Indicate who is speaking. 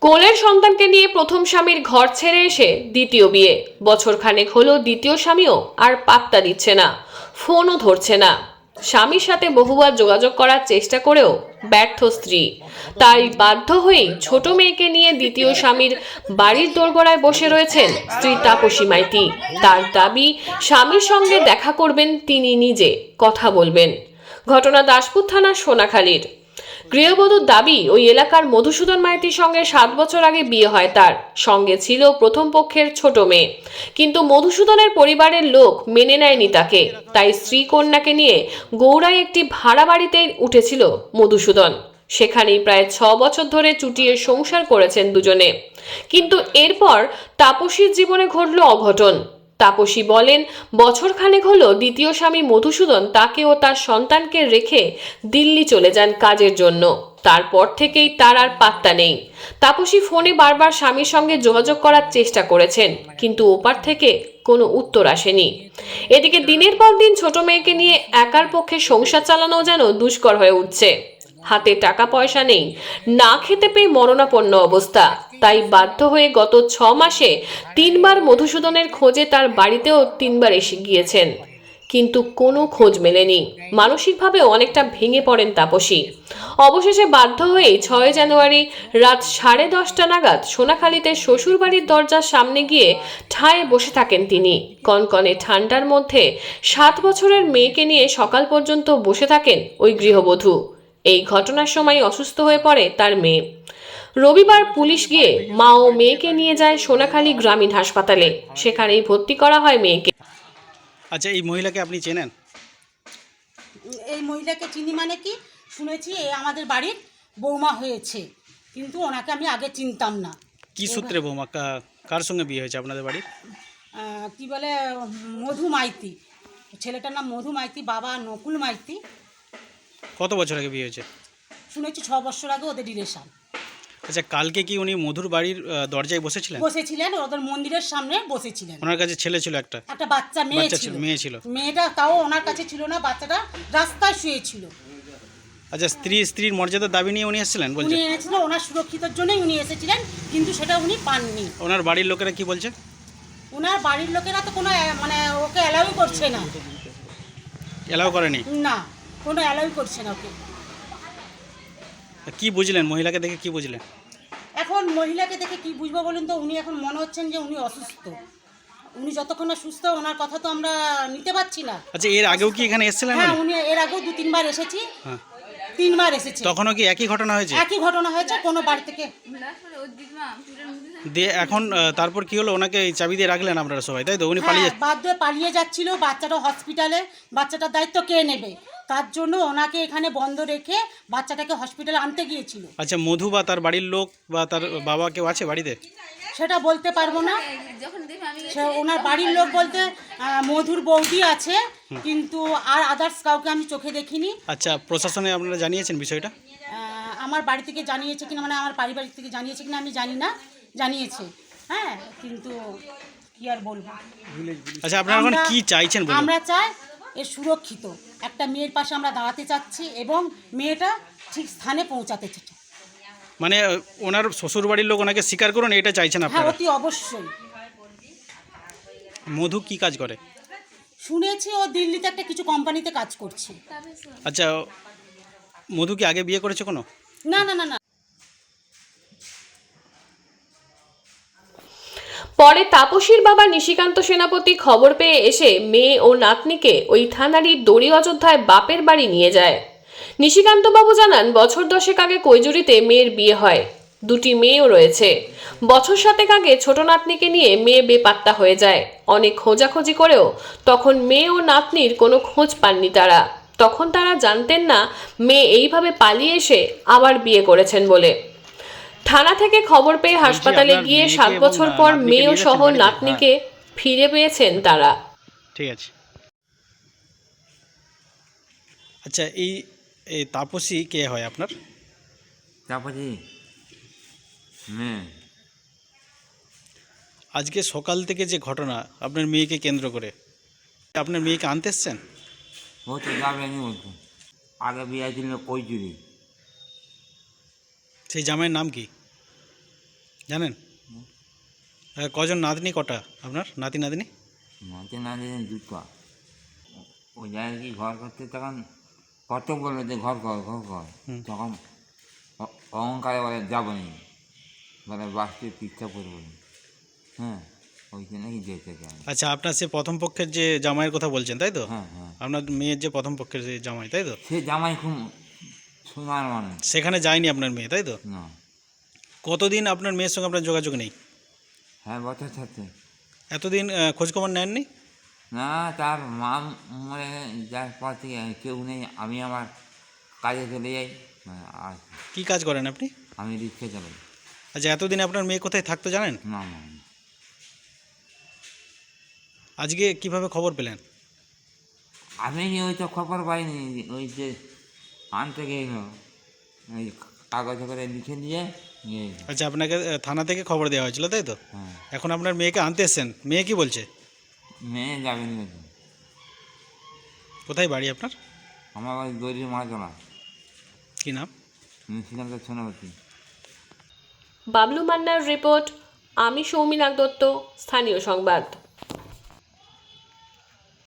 Speaker 1: কোলের সন্তানকে নিয়ে প্রথম স্বামীর ঘর ছেড়ে এসে দ্বিতীয় বিয়ে। বছর খানেক হলো দ্বিতীয় স্বামীও আর পাত্তা দিচ্ছে না, ফোনও ধরছে না। স্বামীর সাথে বহুবার যোগাযোগ করার চেষ্টা করেও ব্যর্থ স্ত্রী। তাই বাধ্য হয়েই ছোট মেয়েকে নিয়ে দ্বিতীয় স্বামীর বাড়ির দোরগোড়ায় বসে রয়েছেন স্ত্রী তাপসী মাইতি। তার দাবি, স্বামীর সঙ্গে দেখা করবেন তিনি নিজে, কথা বলবেন। ঘটনা দাসপুর থানার সোনাখালীর। গৃহবধূর দাবি, ওই এলাকার মধুসূদন মাইতির সঙ্গে 7 বছর আগে বিয়ে হয় তার। সঙ্গে ছিল প্রথম পক্ষের ছোট মেয়ে, কিন্তু মধুসূদনের পরিবারের লোক মেনে নেয়নি তাকে। তাই স্ত্রী কন্যাকে নিয়ে গৌড়ায় একটি ভাড়া বাড়িতে উঠেছিল মধুসূদন। সেখানেই প্রায় 6 বছর ধরে চুটিয়ে সংসার করেছেন দুজনে। কিন্তু এরপর তাপসীর জীবনে ঘটল অঘটন। তাপসী বলেন, বছর খানেক হলো দ্বিতীয় স্বামী মধুসূদন তাকে ও তার সন্তানকে রেখে দিল্লি চলে যান কাজের জন্য। তারপর থেকেই তার আর পাত্তা নেই। তাপসী ফোনে বারবার স্বামীর সঙ্গে যোগাযোগ করার চেষ্টা করেছেন, কিন্তু ওপার থেকে কোনো উত্তর আসেনি। এদিকে দিনের পর দিন ছোট মেয়েকে নিয়ে একার পক্ষে সংসার চালানো যেন দুষ্কর হয়ে উঠছে। হাতে টাকা পয়সা নেই, না খেতে পেয়ে মরণাপন্ন অবস্থা। তাই বাধ্য হয়ে গত 6 মাসে 3 বার মধুসূদনের খোঁজে তার বাড়িতেও 3 বার এসে গিয়েছেন, কিন্তু কোনো খোঁজ মেলেনি। মানসিকভাবে অনেকটা ভেঙে পড়েন তাপসী। অবশেষে বাধ্য হয়েই 6 জানুয়ারি রাত 10:30 নাগাদ সোনাখালীতে শ্বশুরবাড়ির দরজার সামনে গিয়ে ঠায় বসে থাকেন তিনি। কনকনে ঠান্ডার মধ্যে 7 বছরের মেয়েকে নিয়ে সকাল পর্যন্ত বসে থাকেন ওই গৃহবধূ। এই ঘটনার সময় অসুস্থ হয়ে পড়ে তার মেয়ে। রবিবার পুলিশ গিয়ে মা ও মেয়েকে নিয়ে যায় সোনাখালী গ্রামীণ হাসপাতালে। সেখানেই ভর্তি করা হয় মেয়েকে।
Speaker 2: আচ্ছা, এই মহিলাকে আপনি চেনেন?
Speaker 3: এই মহিলাকে চিনি মানে কি, শুনেছি এ আমাদের বাড়ির বৌমা হয়েছে, কিন্তু ওনাকে আমি আগে চিনতাম না।
Speaker 2: কি সূত্রে বৌমা, কার সঙ্গে বিয়ে হয়েছে আপনাদের বাড়ির?
Speaker 3: কি বলে, মধু মাইতি, ছেলেটার নাম মধু মাইতি, বাবা নকুল মাইতি।
Speaker 2: কত বছর আগে বিয়ে হয়েছে?
Speaker 3: শুনেছি 6 বছর আগে ওদের রিলেশন।
Speaker 2: আচ্ছা, কালকে কি উনি মধুর বাড়ির দরজায় বসেছিলেন?
Speaker 3: বসেছিলেন, ওদের মন্দিরের সামনে বসেছিলেন।
Speaker 2: ওনার কাছে ছেলে ছিল একটা?
Speaker 3: একটা বাচ্চা মেয়ে ছিল।
Speaker 2: মেয়েটা
Speaker 3: তাও ওনার কাছে ছিল না, বাচ্চাটা রাস্তায় শুয়েছিল।
Speaker 2: আচ্ছা, স্ত্রীর মর্যাদার দাবি নিয়ে উনি এসেছিলেন বলছেন?
Speaker 3: উনি এনেছিলেন, ওনার সুরক্ষিতের জন্যই উনি এসেছিলেন, কিন্তু সেটা উনি পাননি।
Speaker 2: ওনার বাড়ির লোকেরা কি বলছে?
Speaker 3: ওনার বাড়ির লোকেরা তো কোনো মানে ওকে অ্যালাউ করছে না।
Speaker 2: এলাও করেনি?
Speaker 3: না, কোনো অ্যালাউ করছে না ওকে।
Speaker 2: কি বুঝলেন মহিলাকে দেখে, কি বুঝলেন?
Speaker 3: এখন মহিলাকে দেখে কি বুঝবো বলুন তো, উনি এখন মনে হচ্ছেন যে উনি অসুস্থ। উনি যতক্ষণ না সুস্থ, ওনার কথা তো আমরা নিতে পারছি না।
Speaker 2: আচ্ছা, এর আগেও কি এখানে এসেছিলেন?
Speaker 3: হ্যাঁ, উনি এর আগেও 2-3 বার এসেছি।
Speaker 2: হ্যাঁ,
Speaker 3: 3 বার এসেছে।
Speaker 2: তখনও কি একই ঘটনা হয়েছে?
Speaker 3: একই ঘটনা হয়েছে, কোনো বাড়ি থেকে।
Speaker 2: দিয়ে এখন তারপর কি হলো? ওনাকে এই চাবি দিয়ে রাখলেন আপনারা সবাই, তাই তো? উনি
Speaker 3: হ্যাঁ,
Speaker 2: পালিয়ে
Speaker 3: বাধ্য হয়ে পালিয়ে যাচ্ছিল। বাচ্চাটা হসপিটালে, বাচ্চাটার দায়িত্ব কে নেবে? তার জন্য ওনাকে এখানে বন্ধ রেখে বাচ্চাটাকে হসপিটালে আনতে গিয়েছিল।
Speaker 2: আচ্ছা, মধু বা তার বাড়ির লোক বা তার বাবা কেউ আছে বাড়িতে?
Speaker 3: সেটা বলতে পারবো না। ওনার বাড়ির লোক বলতে মধুর বৌদি আছে, কিন্তু আর আদার্স কাউকে আমি চোখে দেখিনি।
Speaker 2: আচ্ছা, প্রশাসনে আপনারা জানিয়েছেন বিষয়টা?
Speaker 3: আমার বাড়ি থেকে জানিয়েছে কিনা, মানে আমার পারিবারিক থেকে জানিয়েছে কিনা আমি জানি না। জানিয়েছে, হ্যাঁ, কিন্তু কি আর বলবো।
Speaker 2: আচ্ছা, আপনারা এখন কি চাইছেন বলুন?
Speaker 3: আমরা চাই এর সুরক্ষিত একটা মেয়ের পাশে আমরা দাঁড়াতে চাচ্ছি, এবং মেয়েটা ঠিক স্থানে পৌঁছাতে চাচ্ছি।
Speaker 2: মানে ওনার শ্বশুর বাড়ির লোক ওনাকে স্বীকার করুন, এটা চাইছেন
Speaker 3: হ্যাঁ,
Speaker 2: আপনারা?
Speaker 3: অতি অবশ্যই।
Speaker 2: মধু কি কাজ করে?
Speaker 3: শুনেছি ও দিল্লিতে একটা কিছু কোম্পানিতে কাজ করছে।
Speaker 2: আচ্ছা, মধু কি আগে বিয়ে করেছে কোনো?
Speaker 3: না না না না।
Speaker 1: পরে তাপসীর বাবা নিশিকান্ত সেনাপতি খবর পেয়ে এসে মেয়ে ও নাতনিকে ওই থানারই দড়ি অযোধ্যায় বাপের বাড়ি নিয়ে যায়। নিশিকান্ত বাবু জানান, বছর 10 আগে কৈজুরিতে মেয়ের বিয়ে হয়, 2টি মেয়েও রয়েছে। বছর 7 আগে ছোট নাতনিকে নিয়ে মেয়ে বেপাত্তা হয়ে যায়। অনেক খোঁজাখুঁজি করেও তখন মেয়ে ও নাতনির কোনো খোঁজ পাননি তারা। তখন তারা জানতেন না মেয়ে এইভাবে পালিয়ে এসে আবার বিয়ে করেছেন বলে। থানা থেকে খবর পেয়ে হাসপাতালে গিয়ে 7 বছর পর মেয়ে সহ নাতনিকে ফিরে পেয়েছেন তারা।
Speaker 2: ঠিক আছে। আচ্ছা, এই তাপসী কে হয় আপনার?
Speaker 4: তাপসী মেয়ে।
Speaker 2: আজকে সকাল থেকে যে ঘটনা আপনার মেয়েকে কেন্দ্র করে, আপনার মেয়েকে আনতে এসছেন?
Speaker 4: ও তো যাবেনি বলতো, আগে বিয়ে ছিল কৈচুরি।
Speaker 2: সেই জামাইয়ের নাম কি? জানেন? কজন নাতনি কটা আপনার নাতি নাতনি?
Speaker 4: মাঝে না দিন দুটো ওই জায়গায় কি ঘর করতে তখন কত বললো যে ঘর কর ঘর কর, তখন অহংকারে বলে যাবো নি, বলে বাসটি পিঠা করবো নি। হ্যাঁ, ওই জন্যই যেতে চাই।
Speaker 2: আচ্ছা, আপনার সে প্রথম পক্ষের যে জামাইয়ের কথা বলছেন তাই তো?
Speaker 4: হ্যাঁ হ্যাঁ,
Speaker 2: আপনার মেয়ের যে প্রথম পক্ষের যে জামাই তাই তো?
Speaker 4: সে জামাই খুব সোনার মানুষ।
Speaker 2: সেখানে যায়নি আপনার মেয়ে তাই তো?
Speaker 4: না,
Speaker 2: কতদিন আপনার মেয়ের সঙ্গে আপনার যোগাযোগ নেই?
Speaker 4: হ্যাঁ বছর থাকতে।
Speaker 2: এতদিন খোঁজখবর নেননি?
Speaker 4: না, তার মা মরে যার পর থেকে কেউ নেই, আমি আমার কাজে চলে যাই। আর
Speaker 2: কি কাজ করেন আপনি?
Speaker 4: আমি রিক্সা চালাই।
Speaker 2: আচ্ছা, এতদিন আপনার মেয়ে কোথায় থাকতো জানেন?
Speaker 4: না না না।
Speaker 2: আজকে কিভাবে খবর পেলেন?
Speaker 4: আমি ওই তো খবর পাইনি, ওই যে আনতে গেল ওই কাগজে করে লিখে নিয়ে নিয়ে এলো।
Speaker 2: আচ্ছা, আপনাকে থানা থেকে খবর দেওয়া হয়েছিল তাই তো?
Speaker 4: হ্যাঁ,
Speaker 2: এখন আপনার মেয়েকে আনতে এসছেন, মেয়ে কি বলছে?
Speaker 4: মেয়ে যাবেনি বলছে।
Speaker 2: কোথায় বাড়ি আপনার?
Speaker 4: আমার ওই গরিব মাছলা
Speaker 2: কি নাম?
Speaker 4: মুন্সিগঞ্জ সোনাবতী।
Speaker 1: বাবলু মান্নার রিপোর্ট। আমি সৌমিনাগ দত্ত, স্থানীয় সংবাদ।